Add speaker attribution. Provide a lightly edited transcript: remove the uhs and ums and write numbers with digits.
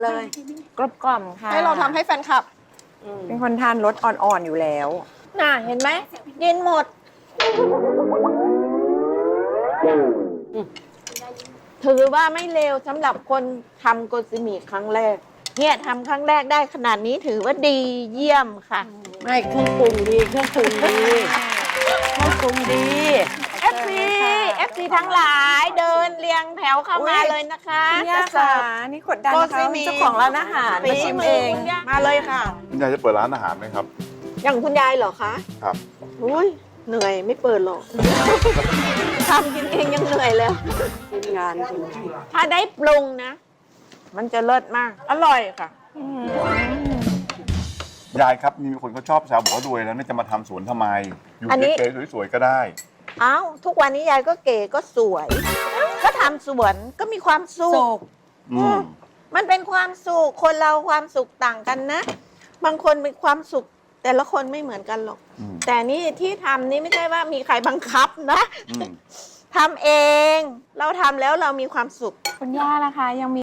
Speaker 1: เลยกรอบกล่อมค่ะ
Speaker 2: ให้เราทำให้แฟนคลับ
Speaker 1: เป็นคนทานรสอ่อนๆอยู่แล้วน่ะเห็นไหมกินหมด ถือว่าไม่เลวสำหรับคนทำโกซิมิครั้งแรก เนี่ยทำครั้งแรกได้ขนาดนี้ถือว่าดีเยี่ยมค่ะ
Speaker 3: ไม่เครื่องปรุงดีเครื่องปรุงดีเครื่องปรุงดี
Speaker 1: FC ทั้งหลายเดินเรียงแถวเข้ามาเลยนะคะ
Speaker 3: คุณย่าค่ะนี่กดดันนะคะเจ้าของร้านอาหารมาชิมเอง
Speaker 1: มาเลยค่ะ
Speaker 4: คุณยายจะเปิดร้านอาหารไหมครับ
Speaker 1: อย่างคุณยายเหรอคะ
Speaker 4: ครับ
Speaker 1: อุ้ยเหนื่อยไม่เปิดหรอก ทำกินเองยังเหนื่อยเลย
Speaker 3: ทีมงานจริง
Speaker 1: ถ้าได้ปรุงนะ มันจะเลิศมาก อร่อยค่ะ
Speaker 4: ยายครับมีคนเขาชอบแซวบอกว่ารวยแล้วเนี่ยจะมาทำสวนทำไม อยู่
Speaker 1: อันนี้
Speaker 4: เก๋ๆสวยๆก็ได้
Speaker 1: เอ้าทุกวันนี้ยายก็เก๋ก็สวย ก็ทำสวนก็มีความสุ
Speaker 3: โศ
Speaker 1: ข
Speaker 3: ก
Speaker 4: อืม
Speaker 1: มันเป็นความสุขคนเราความสุขต่างกันนะ บางคนมีความสุข แต่ละคนไม่เหมือนกันหรอก
Speaker 4: อืม
Speaker 1: แต่นี่ที่ทำนี่ไม่ใช่ว่ามีใครบังคับนะ
Speaker 4: อืม
Speaker 1: ทำเอง เราทำแล้วเรามีความสุข
Speaker 3: คุณย่านะคะยังมี